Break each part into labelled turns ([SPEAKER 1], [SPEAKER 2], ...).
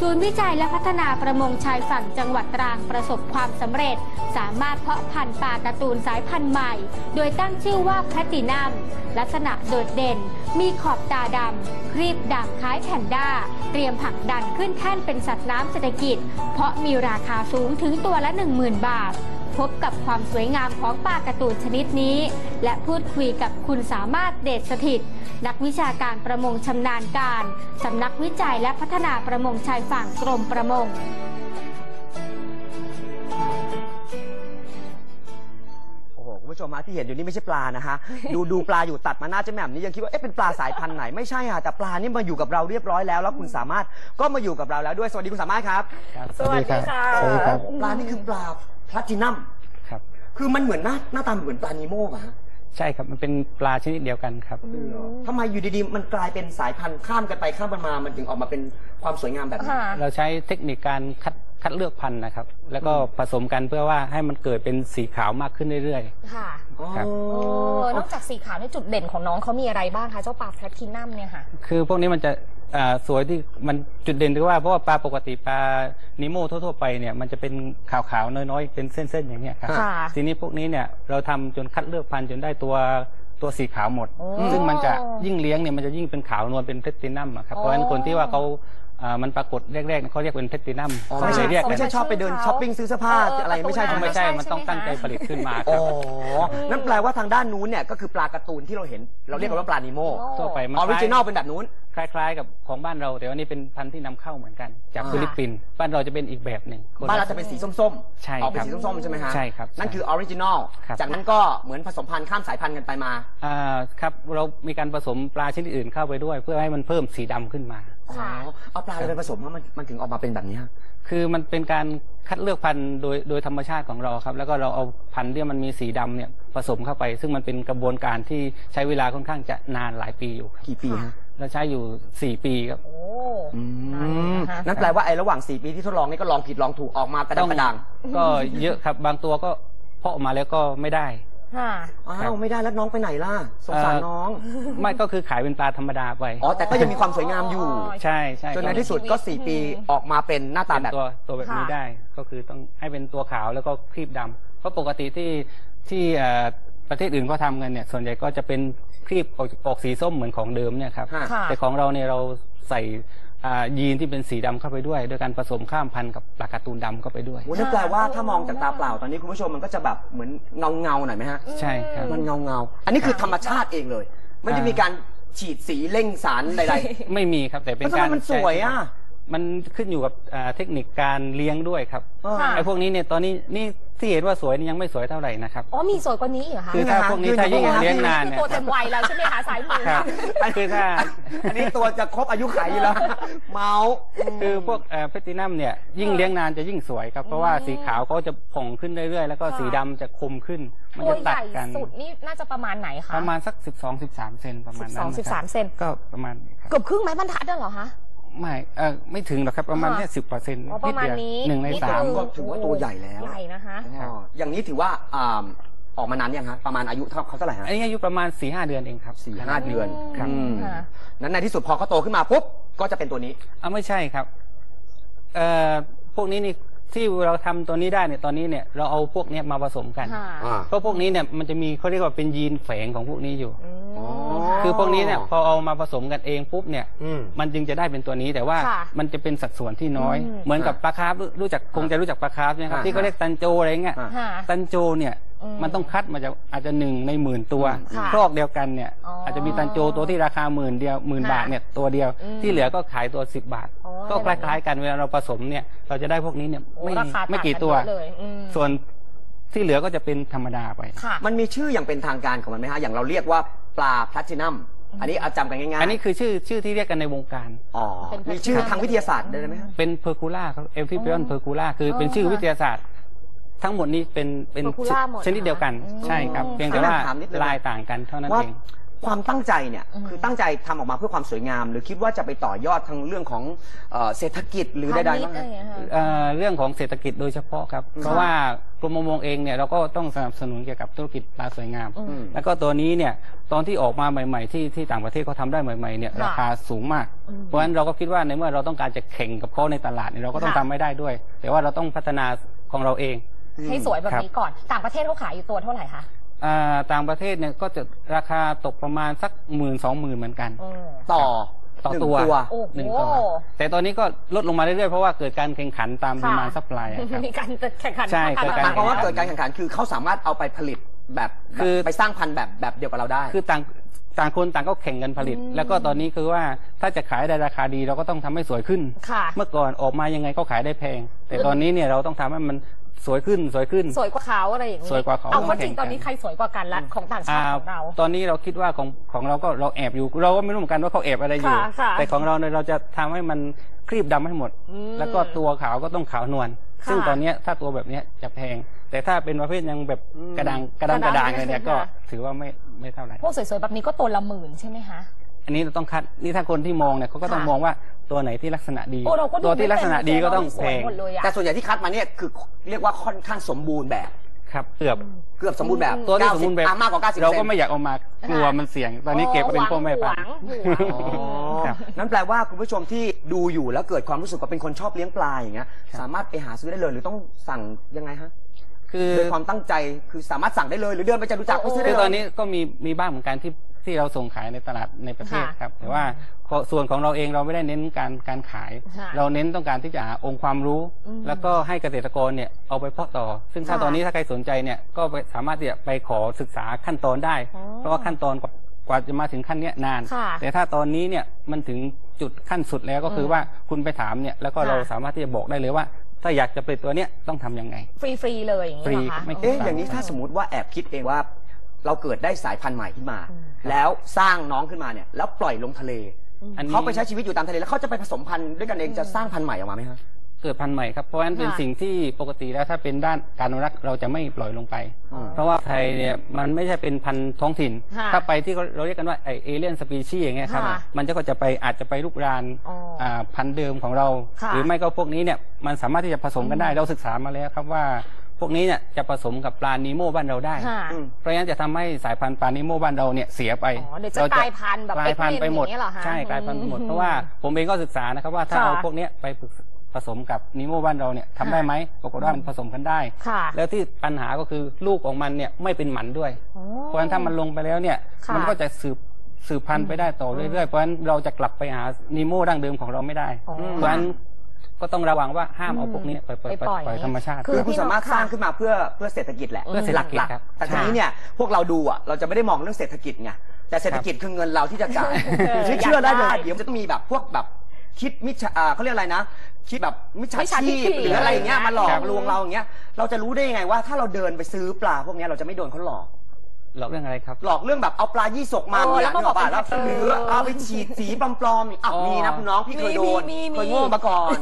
[SPEAKER 1] ศูนย์วิจัยและพัฒนาประมงชายฝั่งจังหวัดตรังประสบความสำเร็จสามารถเพาะพันธุ์ปลาการ์ตูนสายพันธุ์ใหม่โดยตั้งชื่อว่าแพลตินัมลักษณะโดดเด่นมีขอบตาดำครีบดำคล้ายแพนด้าเตรียมผลักดันขึ้นแท่นเป็นสัตว์น้ำเศรษฐกิจเพราะมีราคาสูงถึงตัวละ 10,000 บาทพบกับความสวยงามของปลาการ์ตูนชนิดนี้และพูดคุยกับคุณสามารถเดชสถิตนักวิชาการประมงชำนาญการสำนักวิจัยและพัฒนาประมงชายฝั่งกรมประมง
[SPEAKER 2] คุณผู้ชมฮะที่เห็นอยู่นี่ไม่ใช่ปลานะฮะ ดูปลาอยู่ตัดมาหน้าเจ๊แหม่มนี่ยังคิดว่าเอ๊ะเป็นปลาสายพันธุ์ไหนไม่ใช่ค่ะแต่ปลานี่มาอยู่กับเราเรียบร้อยแล้วแล้วคุณสามารถก็มาอยู่กับเราแล้วด้วยสวัสดีคุณสามารถครับ
[SPEAKER 3] สวัสดีค่ะสวัสดีครับ
[SPEAKER 2] ปลานี่คือปลาแพลตินัม
[SPEAKER 3] ครับ
[SPEAKER 2] คือมันเหมือนหน้าตาเหมือนปลานีโม่ป่ะฮะ
[SPEAKER 3] ใช่ครับมันเป็นปลาชนิดเดียวกันครับ
[SPEAKER 2] ทำไมอยู่ดีๆมันกลายเป็นสายพันธุ์ข้ามกันไปข้ามกันมามันถึงออกมาเป็นความสวยงามแบบนี้
[SPEAKER 3] เราใช้เทคนิคการคัดเลือกพันธุ์นะครับแล้วก็ผสมกันเพื่อว่าให้มันเกิดเป็นสีขาวมากขึ้นเรื่อย
[SPEAKER 4] ๆค่ะ
[SPEAKER 3] ครับ
[SPEAKER 4] นอกจากสีขาวในจุดเด่นของน้องเขามีอะไรบ้างคะเจ้าปลาแพลตินัมเนี่ยค่ะ
[SPEAKER 3] คือพวกนี้มันจะสวยที่มันจุดเด่นคือว่าเพราะว่าปลาปกติปลานิโม่ทั่วๆไปเนี่ยมันจะเป็นขาวๆน้อยๆเป็นเส้นๆอย่างเงี้ยครับทีนี้พวกนี้เนี่ยเราทำจนคัดเลือกพันธุ์จนได้ตัวสีขาวหมดซึ่งมันจะยิ่งเลี้ยงเนี่ยมันจะยิ่งเป็นขาวนวลเป็นแพลตินัมครับเพราะฉะนั้นคนที่ว่าเขามันปรากฏแรกๆเขาเรียกเป็นแพลตินัม
[SPEAKER 2] ไม่ใช่ชอบไปเดินช้อปปิ้งซื้อเสื้อผ้าอะไรไม่ใช่
[SPEAKER 3] มันต้องตั้งใจผลิตขึ้นมา
[SPEAKER 2] ครับนั่นแปลว่าทางด้านนู้นเนี่ยก็คือปลาการ์ตูนที่เราเห็นเราเรียกกันว่าปลานิโม่
[SPEAKER 3] ทั่วไป
[SPEAKER 2] ออริจินอลเป็นแบบนู้น
[SPEAKER 3] คล้ายๆกับของบ้านเราแต่ว่านี่เป็นพันธุ์ที่นำเข้าเหมือนกันจากฟิลิปปินส์บ้านเราจะเป็นอีกแบบหนึ่ง
[SPEAKER 2] บ้านเราจะเป็นสีส้ม
[SPEAKER 3] ๆใช่
[SPEAKER 2] ออกเป็นสีส้มๆใช่ไหมฮะ
[SPEAKER 3] ใช่ครับ
[SPEAKER 2] นั่นคือออริจินอลจากนั้นก็เหมือนผสมพันธุ์ข้ามสายพันธุ์กันไปมา
[SPEAKER 3] ครับเรามีการผสมปลาชนิดอื่นเข้าไปด้วยเพื่อให้มันเพิ่มสีดำขึ้นมา
[SPEAKER 2] เอาปลาอะไรไปผสมว่ามันถึงออกมาเป็นแบบนี้
[SPEAKER 3] คือมันเป็นการคัดเลือกพันธุ์โดยธรรมชาติของเราครับแล้วก็เราเอาพันธุ์ที่มันมีสีดำเนี่ยผสมเข้าไปซึ่งมันเป็นกระบวนการที่ใช้เวลาค่อนข้างจะนานหลายปีอยู่
[SPEAKER 2] กี่ปีฮะ
[SPEAKER 3] เราใช้อยู่4 ปีครับ
[SPEAKER 2] นั่นแปลว่าไอ้ระหว่าง4 ปีที่ทดลองนี่ก็ลองผิดลองถูกออกมากระดัง
[SPEAKER 3] ก็เยอะครับบางตัวก็เพาะออกมาแล้วก็ไม่ได้
[SPEAKER 2] อ้าวไม่ได้แล้วน้องไปไหนล่ะสงสารน้อง
[SPEAKER 3] ไม่ก็คือขายเป็นปลาธรรมดาไป
[SPEAKER 2] แต่ก็ยังมีความสวยงามอยู่
[SPEAKER 3] ใช่
[SPEAKER 2] จนในที่สุดก็4 ปีออกมาเป็นหน้าตาแบบ
[SPEAKER 3] ตัวแบบนี้ได้ก็คือต้องให้เป็นตัวขาวแล้วก็ครีบดำเพราะปกติที่ประเทศอื่นก็ทำกันเนี่ยส่วนใหญ่ก็จะเป็นครีบออกสีส้มเหมือนของเดิมเนี่ยครับแต่ของเราเนี่ยเราใส่ยีนที่เป็นสีดำเข้าไปด้วยโดยการผสมข้ามพันธุ์กับปลาการ์ตูนดำเข้าไปด้วย
[SPEAKER 2] นั่นแปลว่าถ้ามองจากตาเปล่าตอนนี้คุณผู้ชมมันก็จะแบบเหมือนเงาหน่อยไหมฮะ
[SPEAKER 3] ใช่ครับ
[SPEAKER 2] มันเงาอันนี้คือธรรมชาติเองเลยไม่ได้มีการฉีดสีเร่งสารใด
[SPEAKER 3] ๆไม่มีครับแต่เป็นการ
[SPEAKER 2] มันสวย
[SPEAKER 3] มันขึ้นอยู่กับเทคนิคการเลี้ยงด้วยครับไอ้พวกนี้เนี่ยตอนนี้นี่ที่เห็นว่าสวยนี่ยังไม่สวยเท่าไหร่นะครับ
[SPEAKER 4] มีสวยกว่านี้เหรอคะ
[SPEAKER 3] คือถ้าพวกนี้ถ้ายิ่งเลี้ยงนานเนี่ย
[SPEAKER 4] ตัวเต็มวัยแล้วใช่ไหมคะสายมือ
[SPEAKER 3] คือถ้า
[SPEAKER 2] อันนี้ตัวจะครบอายุขัยแล้วเมา
[SPEAKER 3] คือพวกแพลตินัมเนี่ยยิ่งเลี้ยงนานจะยิ่งสวยครับเพราะว่าสีขาวเขาจะผ่องขึ้นเรื่อยๆแล้วก็สีดำจะคมขึ้นมันจะตัดกัน
[SPEAKER 4] สุดนี่น่าจะประมาณไหนคะ
[SPEAKER 3] ประมาณสัก12-13 เซนประมาณนั้น
[SPEAKER 4] 12-13 เซน
[SPEAKER 3] ก็ประมาณ
[SPEAKER 4] เกือบครึ่งไม้บรรทัดเหรอคะ
[SPEAKER 3] ไม่ถึงหรอกครับประมาณแค่10%
[SPEAKER 4] ประมาณนี้
[SPEAKER 3] 1 ใน 3
[SPEAKER 2] ก็ถือว่าตัวใหญ่แล้ว
[SPEAKER 4] ใหญ่นะคะ
[SPEAKER 2] อย่างนี้ถือว่าออกมานานยังฮะประมาณอายุเขาเท่าไหร่ฮะ
[SPEAKER 3] อันนี้อายุประมาณ 4-5 เดือนเองครับ
[SPEAKER 2] 4-5 เดือน
[SPEAKER 3] ครับ
[SPEAKER 2] นั้นในที่สุดพอเขาโตขึ้นมาปุ๊บก็จะเป็นตัวนี้
[SPEAKER 3] ไม่ใช่ครับพวกนี้นี่ที่เราทำตัวนี้ได้เนี่ยตอนนี้เนี่ยเราเอาพวกนี้มาผสมกันเพราะพวกนี้เนี่ยมันจะมีเขาเรียกว่าเป็นยีนแฝงของพวกนี้อยู่คือพวกนี้เนี่ยพอเอามาผสมกันเองปุ๊บเนี่ยมันจึงจะได้เป็นตัวนี้แต่ว่ามันจะเป็นสัดส่วนที่น้อยเหมือนกับปลาคาร์ฟคงจะรู้จักปลาคาร์ฟนะครับที่เขาเรียกตันโจอะไรเงี้ยตันโจเนี่ยมันต้องคัดมาจากอาจจะ1 ใน 10,000 ตัวครอกเดียวกันเนี่ยอาจจะมีตันโจตัวที่ราคา10,000 บาทเนี่ยตัวเดียวที่เหลือก็ขายตัว10 บาทก็คล้ายๆกันเวลาเราผสมเนี่ยเราจะได้พวกนี้เนี่ยไม่กี่ตัวส่วนที่เหลือก็จะเป็นธรรมดาไป
[SPEAKER 2] มันมีชื่ออย่างเป็นทางการของมันไหมฮะอย่างเราเรียกว่าปลาแพลตินัมอันนี้จำกันง่ายๆ
[SPEAKER 3] อันนี้คือชื่อที่เรียกกันในวงการ
[SPEAKER 2] มีชื่อทางวิทยาศาสตร์ได้ไหม
[SPEAKER 3] เป็นเพอร์คูล่าครับเอลฟิเปียนเพอร์คูล่าคือเป็นชื่อวิทยาศาสตร์ทั้งหมดนี้เป็นชนิดเดียวกันใช่ครับเพียงแต่ว่าลายต่างกันเท่านั้นเอง
[SPEAKER 2] ความตั้งใจเนี่ยคือตั้งใจทำออกมาเพื่อความสวยงาม หรือคิดว่าจะไปต่อยอดทางเรื่องของเศรษฐกิจหรือใดๆบ้างไหม
[SPEAKER 3] เรื่องของเศรษฐกิจโดยเฉพาะครับเพราะว่ากรมประมงเองเนี่ยเราก็ต้องสนับสนุนเกี่ยวกับธุรกิจปลาสวยงามแล้วก็ตัวนี้เนี่ยตอนที่ออกมาใหม่ๆที่ต่างประเทศเขาทำได้ใหม่ๆเนี่ยราคาสูงมากเพราะฉะนั้นเราก็คิดว่าในเมื่อเราต้องการจะแข่งกับเขาในตลาดเนี่ยเราก็ต้องทำให้ได้ด้วย แต่ว่าเราต้องพัฒนาของเราเอง
[SPEAKER 4] ให้สวยแบบนี้ก่อนต่างประเทศเขาขายอยู่ตัวเท่าไหร่คะ
[SPEAKER 3] ต่างประเทศเนี่ยก็จะราคาตกประมาณสัก10,000-20,000เหมือนกัน
[SPEAKER 2] ต่อ
[SPEAKER 3] ตัวหนึ่งตัวแต่ตอนนี้ก็ลดลงมาเรื่อยๆเพราะว่าเกิดการแข่งขันตามดีมานด์ซัพพลาย
[SPEAKER 4] มีการแข่งขัน
[SPEAKER 3] ใช่
[SPEAKER 2] หมายความว่าเกิดการแข่งขันคือเขาสามารถเอาไปผลิตแบบคือไปสร้างพันธุ์แบบเดียวกับเราได้
[SPEAKER 3] คือต่างคนต่างก็แข่งกันผลิตแล้วก็ตอนนี้คือว่าถ้าจะขายได้ราคาดีเราก็ต้องทำให้สวยขึ้นเมื่อก่อนออกมายังไงก็ขายได้แพงแต่ตอนนี้เนี่ยเราต้องทำให้มันสวยขึ้นสวยก
[SPEAKER 4] ว่าเขาอะไรอย่างนี้
[SPEAKER 3] สวยกว่าเขา
[SPEAKER 4] เอาจริงตอนนี้ใครสวยกว่ากันละของต่างชาติของเรา
[SPEAKER 3] ตอนนี้เราคิดว่าของเราก็เราแอบอยู่เราก็ไม่รู้เหมือนกันว่าเขาแอบอะไรอยู่แต่ของเราเนี่ยเราจะทำให้มันครีบดำให้หมดแล้วก็ตัวขาวก็ต้องขาวนวลซึ่งตอนนี้ถ้าตัวแบบนี้จะแพงแต่ถ้าเป็นประเภทยังแบบกระด้างเลยเนี่ยก็ถือว่าไม่เท่าไหร่
[SPEAKER 4] พวกสวยๆแบบนี้ก็ตัวละ10,000ใช่ไหมคะ
[SPEAKER 3] อันนี้เราต้องคัดนี่ถ้าคนที่มองเนี่ยเขาก็ต้องมองว่าตัวไหนที่ลักษณะดีตัวที่ลักษณะดีก็ต้องแพง
[SPEAKER 2] แต่ส่วนใหญ่ที่คัดมาเนี่ยคือเรียกว่าค่อนข้างสมบูรณ์แบบ
[SPEAKER 3] ครับเกือบ
[SPEAKER 2] สมบูรณ์แบบ
[SPEAKER 3] ตัวที่สมบูรณ์แบบ
[SPEAKER 2] มากกว่า90%
[SPEAKER 3] เราก็ไม่อยากเอามากลัวมันเสี่ยงตอนนี้เก็บเป็นพ่อแม่พันธุ์
[SPEAKER 2] นั่นแปลว่าคุณผู้ชมที่ดูอยู่แล้วเกิดความรู้สึกว่าเป็นคนชอบเลี้ยงปลาอย่างเงี้ยสามารถไปหาซื้อได้เลยหรือต้องสั่งยังไงฮะคือโดยความตั้งใจคือสามารถสั่งได้เลยหรือเดินไปจตุจักรไปซื้อได้เลย
[SPEAKER 3] ตอนนี้ก็มีบ้างเหมือนกันที่เราส่งขายในตลาดในประเทศครับแต่ว่าส่วนของเราเองเราไม่ได้เน้นการขายเราเน้นต้องการที่จะหาองค์ความรู้แล้วก็ให้เกษตรกรเนี่ยเอาไปเพาะต่อซึ่งถ้าตอนนี้ถ้าใครสนใจเนี่ยก็สามารถที่จะไปขอศึกษาขั้นตอนได้เพราะว่าขั้นตอนกว่าจะมาถึงขั้นนี้นานแต่ถ้าตอนนี้เนี่ยมันถึงจุดขั้นสุดแล้วก็คือว่าคุณไปถามเนี่ยแล้วก็เราสามารถที่จะบอกได้เลยว่าถ้าอยากจะผลิตตัวเนี้ยต้องทำยังไง
[SPEAKER 4] ฟรีเลยอย่างนี้เหรอคะ
[SPEAKER 2] อย่างนี้ถ้าสมมติว่าแอบคิดเองว่าเราเกิดได้สายพันธุ์ใหม่ขึ้นมาแล้วสร้างน้องขึ้นมาเนี่ยแล้วปล่อยลงทะเลเขาไปใช้ชีวิตอยู่ตามทะเลแล้วเขาจะไปผสมพันธุ์ด้วยกันเองจะสร้างพันธุ์ใหม่ออกมาไหมครับ
[SPEAKER 3] เกิดพันธุ์ใหม่ครับเพราะฉะนั้นเป็นสิ่งที่ปกติแล้วถ้าเป็นด้านการอนุรักษ์เราจะไม่ปล่อยลงไปเพราะว่าไทยเนี่ยมันไม่ใช่เป็นพันธุ์ท้องถิ่นถ้าไปที่เราเรียกกันว่าเอเลี่ยนสปีชีส์อย่างเงี้ยครับมันก็จะไปอาจจะไปลุกรานพันธุ์เดิมของเราหรือไม่ก็พวกนี้เนี่ยมันสามารถที่จะผสมกันได้เราศึกษามาแล้วครับว่าพวกนี้เนี่ยจะผสมกับปลานีโม่บ้านเราได้เพราะฉะนั้นจะทำให้สายพันธุ์ปลานีโม่บ้านเราเนี่ยเสียไป
[SPEAKER 4] เราจะกลายพันธุ์แบบ
[SPEAKER 3] กลายพันธุ์ไปหมดใช่กลายพันธุ์ไปหมดเพราะว่าผมเองก็ศึกษานะครับว่าถ้าเอาพวกนี้ไปผสมกับนีโม่บ้านเราเนี่ยทำได้ไหมปรากฏว่ามันผสมกันได้แล้วที่ปัญหาก็คือลูกของมันเนี่ยไม่เป็นหมันด้วยเพราะฉะนั้นถ้ามันลงไปแล้วเนี่ยมันก็จะสืบพันธุ์ไปได้ต่อเรื่อยๆเพราะฉะนั้นเราจะกลับไปหานีโม่ดั้งเดิมของเราไม่ได้เพราะฉะนั้นก็ต้องระวังว่าห้ามเอาพวกนี้ไปปล่อยธรรมชาติ
[SPEAKER 2] คือคุณสามารถสร้างขึ้นมาเพื่อเศรษฐกิจแหละ
[SPEAKER 3] เพื่อเศรษฐกิจครับ
[SPEAKER 2] แต่ทีนี้เนี่ยพวกเราดูอ่ะเราจะไม่ได้มองเรื่องเศรษฐกิจไงแต่เศรษฐกิจคือเงินเราที่จะจ่ายเชื่อได้เลยเดี๋ยวจะต้องมีแบบพวกแบบคิดมิจฉาเขาเรียกอะไรนะคิดแบบมิจฉาชีพหรืออะไรอย่างเงี้ยมาหลอกลวงเราอย่างเงี้ยเราจะรู้ได้ยังไงว่าถ้าเราเดินไปซื้อปลาพวกนี้เราจะไม่โดนเขาหลอก
[SPEAKER 3] เรื่องอะไรครับ
[SPEAKER 2] หลอกเรื่องแบบเอาปลายี่สกมาแล้วก็บอกแล้วหรือเอาไปฉีดสีปลอมๆมีนะคุณน้องพี่เคยโดนเคยโง่มาก่อน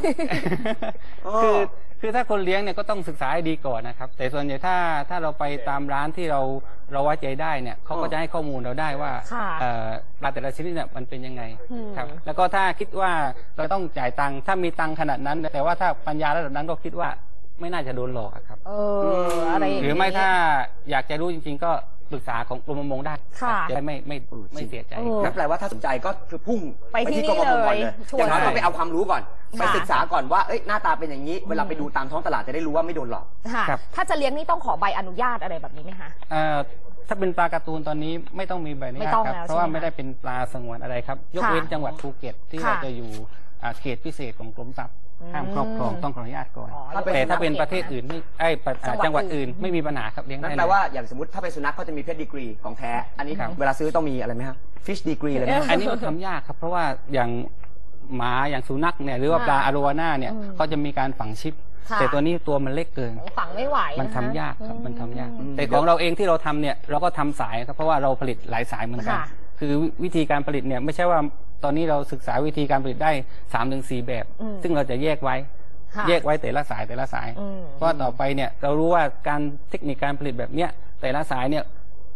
[SPEAKER 3] คือถ้าคนเลี้ยงเนี่ยก็ต้องศึกษาให้ดีก่อนนะครับแต่ส่วนใหญ่ถ้าเราไปตามร้านที่เราไว้ใจได้เนี่ยเขาก็จะให้ข้อมูลเราได้ว่าปลาแต่ละชนิดเนี่ยมันเป็นยังไงครับแล้วก็ถ้าคิดว่าเราต้องจ่ายตังค์ถ้ามีตังค์ขนาดนั้นแต่ว่าถ้าปัญญาระดับนั้นก็คิดว่าไม่น่าจะโดนหลอกครับหรือไม่ถ้าอยากจะรู้จริงๆก็ปรึกษาของกรมประมงได้จะได้ไม่เสียใจ
[SPEAKER 2] นั่นแปลว่าถ้าสนใจก็คือพุ่งไปที่กรมประมงก่อนเลยอย่างน้อยต้องไปเอาความรู้ก่อนไปศึกษาก่อนว่าหน้าตาเป็นอย่างนี้เวลาไปดูตามท้องตลาดจะได้รู้ว่าไม่โดนหลอก
[SPEAKER 4] ถ้าจะเลี้ยงนี่ต้องขอใบอนุญาตอะไรแบบนี้ไหมคะ
[SPEAKER 3] ถ้าเป็นปลาการ์ตูนตอนนี้ไม่ต้องมีใบอนุญาตครับเพราะว่าไม่ได้เป็นปลาสงวนอะไรครับยกเว้นจังหวัดภูเก็ตที่เราจะอยู่เขตพิเศษของกรมทรัพย์ห้ามครอบครองต้องขออนุญาตก่อนแต่ถ้าเป็นประเทศอื่นไม่จังหวัดอื่นไม่มีปัญหาครับเลี้ยงได้
[SPEAKER 2] นั่นแปลว่าอย่างสมมติถ้าเป็นสุนัขเขาจะมีเพชดีกรีของแท้อันนี้เวลาซื้อต้องมีอะไรไหมครับฟิชดีกรีอะไรไหม
[SPEAKER 3] อันนี้มันทำยากครับเพราะว่าอย่างหมาอย่างสุนัขเนี่ยหรือว่าปลาอโรวาน่าเนี่ยเขาจะมีการฝังชิปแต่ตัวนี้ตัวมันเล็กเกิน
[SPEAKER 4] ฝังไม่ไหว
[SPEAKER 3] มันทำยากครับมันทำยากแต่ของเราเองที่เราทำเนี่ยเราก็ทำสายครับเพราะว่าเราผลิตหลายสายเหมือนกันคือวิธีการผลิตเนี่ยไม่ใช่ว่าตอนนี้เราศึกษาวิธีการผลิตได้ 3-4 แบบซึ่งเราจะแยกไว้แต่ละสายเพราะต่อไปเนี่ยเรารู้ว่าการเทคนิคการผลิตแบบเนี้ยแต่ละสายเนี่ย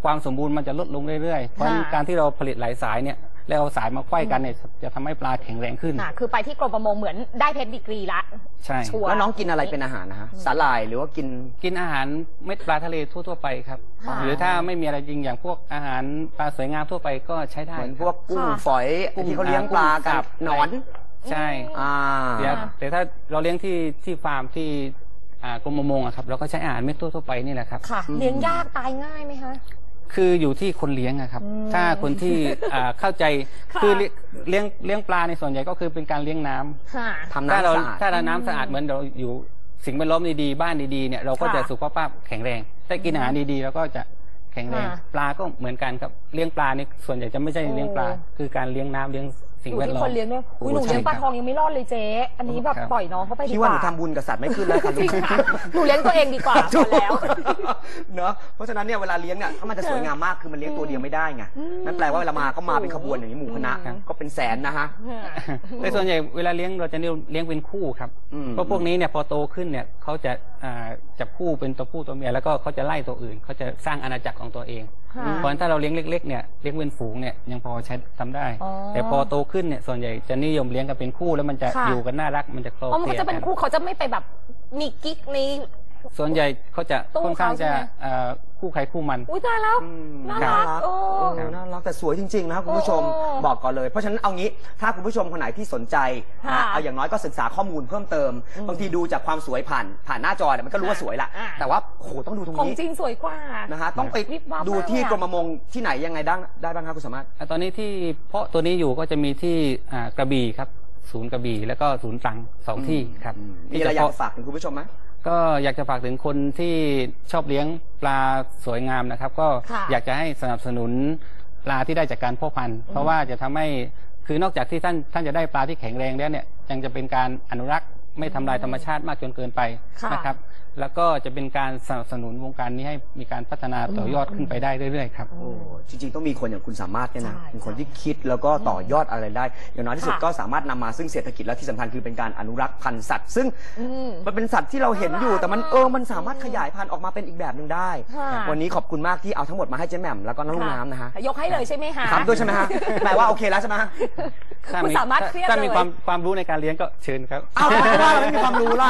[SPEAKER 3] ความสมบูรณ์มันจะลดลงเรื่อยๆเพราะการที่เราผลิตหลายสายเนี่ยแล้วเอาสายมาไขว้กันเนี่ยจะทำให้ปลาแข็งแรงขึ้น
[SPEAKER 4] คือไปที่กรมประมงเหมือนได้เพชรดีกรีละ
[SPEAKER 3] ใช่
[SPEAKER 2] แล้วน้องกินอะไรเป็นอาหารนะฮะสาหร่ายหรือว่า
[SPEAKER 3] กินอาหารเม็ดปลาทะเลทั่วๆไปครับหรือถ้าไม่มีอะไรจริงอย่างพวกอาหารปลาสวยงามทั่วไปก็ใช้ได้
[SPEAKER 2] เหมือนพวกกุ้งฝอยที่เขาเลี้ยงปลากับหนอน
[SPEAKER 3] ใช่แต่ถ้าเราเลี้ยงที่ฟาร์มที่กรมประมงครับเราก็ใช้อาหารเม็ดทั่วๆไปนี่แหละครับ
[SPEAKER 4] เลี้ยงยากตายง่ายไหมคะ
[SPEAKER 3] คืออยู่ที่คนเลี้ยงครับถ้าคนที่เข้าใจคือเลี้ยงปลาในส่วนใหญ่ก็คือเป็นการเลี้ยงน้ำ
[SPEAKER 2] ทำน้ำสะอาด
[SPEAKER 3] ถ้าเราน้ำสะอาดเหมือนเราอยู่สิ่งแวดล้อมดีๆบ้านดีๆเนี่ยเราก็จะสุขภาพแข็งแรงได้กินอาหารดีๆแล้วก็จะแข็งแรงปลาก็เหมือนกันครับเลี้ยงปลานี่ส่วนใหญ่จะไม่ใช่เลี้ยงปลาคือการเลี้ยงน้ำเลี้ยงสิ่งแวดล้อม
[SPEAKER 4] คนเลี้ยงด้วยหนูเลี้ยงปลาทองยังไม่รอดเลยเจ๊อันนี้แบบปล่อยน้องเขาไปดีกว่า
[SPEAKER 2] พี่ว่าหนูทำบุญกับสัตว์ไม่ขึ้นแล้วค่ะ
[SPEAKER 4] หนูเลี้ยงตัวเองดีกว่าแล้ว
[SPEAKER 2] เนอะเพราะฉะนั้นเนี่ยเวลาเลี้ยงเนี่ยมันจะสวยงามมากคือมันเลี้ยงตัวเดียวไม่ได้ไงนั่นแปลว่าเวลามาก็มาเป็นขบวนอย่างนี้หมู่คณะก็เป็นแสนนะฮะ
[SPEAKER 3] ในส่วนใหญ่เวลาเลี้ยงเราจะเลี้ยงเป็นคู่ครับเพราะพวกนี้เนี่ยพอโตขึ้นเนี่ยเขาจะจับคู่เป็นตัวผู้ตัวเมียแล้วก็เขาจะไล่ตัวอื่นเขาจะสร้างอาณาจักรของตัวเองเพราะฉะนั้นถ้าเราเลี้ยงเล็กๆเนี่ยเลี้ยงเป็นฝูงเนี่ยยังพอใช้ทำได้แต่พอโตขึ้นเนี่ยส่วนใหญ่จะนิยมเลี้ยงกันเป็นคู่แล้วมันจะอยู่กันน่ารักมันจะโคล
[SPEAKER 4] เพราะมันจะเป็นคู่เขาจะไม่ไปแบบมีกิ๊กใน
[SPEAKER 3] ส่วนใหญ่เขาจะค่อนข้างจะคู่ใครคู่มัน
[SPEAKER 4] อุ้ยตายแล้วน่ารัก
[SPEAKER 2] น่ารักแต่สวยจริงๆนะคุณผู้ชมบอกก่อนเลยเพราะฉะนั้นเอางี้ถ้าคุณผู้ชมคนไหนที่สนใจนะเอาอย่างน้อยก็ศึกษาข้อมูลเพิ่มเติมบางทีดูจากความสวยผ่านหน้าจอเนี่ยมันก็รู้ว่าสวยละแต่ว่าโหต้องดูตรงนี้
[SPEAKER 4] ของจริงสวยกว่า
[SPEAKER 2] นะฮะต้องไปดูที่กรมประมงที่ไหนยังไงได้บ้างครับคุณสามารถ
[SPEAKER 3] ตอนนี้ที่เพาะตัวนี้อยู่ก็จะมีที่กระบี่ครับศูนย์กระบี่แล้วก็ศูนย์ตรัง2 ที่ครับ
[SPEAKER 2] มีอะไรอยากฝากถึงคุณผู้ชมไหม
[SPEAKER 3] ก็อยากจะฝากถึงคนที่ชอบเลี้ยงปลาสวยงามนะครับก็อยากจะให้สนับสนุนปลาที่ได้จากการเพาะพันธุ์เพราะว่าจะทำให้คือนอกจากที่ท่านจะได้ปลาที่แข็งแรงแล้วเนี่ยยังจะเป็นการอนุรักษ์ไม่ทำลายธรรมชาติมากจนเกินไปนะครับแล้วก็จะเป็นการสนับสนุนวงการนี้ให้มีการพัฒนาต่อยอดขึ้นไปได้เรื่อยๆครับ
[SPEAKER 2] จริงๆต้องมีคนอย่างคุณสามารถเนี่ยนะเป็นคนที่คิดแล้วก็ต่อยอดอะไรได้อย่างน้อยที่สุดก็สามารถนำมาซึ่งเศรษฐกิจและที่สำคัญคือเป็นการอนุรักษ์พันธุ์สัตว์ซึ่งมันเป็นสัตว์ที่เราเห็นอยู่แต่มันสามารถขยายพันธุ์ออกมาเป็นอีกแบบหนึ่งได้วันนี้ขอบคุณมากที่เอาทั้งหมดมาให้เจ๊แหม่มแล้วก็น้องลูกน้ำนะฮะ
[SPEAKER 4] ยกให้เลยใช่ไหมคะ
[SPEAKER 2] ครับด้วยใช่ไหมฮะแปลว่าโอเคแล้วใช่ไหม
[SPEAKER 4] คุณสามารถเครียดเลย
[SPEAKER 3] ถ้ามีความรู้ในการเลี้ยงก็เชิญครับ
[SPEAKER 2] เอาว่าเราไม่มีความรู้ล่ะ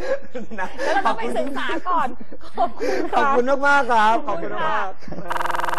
[SPEAKER 4] แล้วเราต้องไปศึกษาก่อน
[SPEAKER 2] ขอบคุณมากๆครับขอบคุณมาก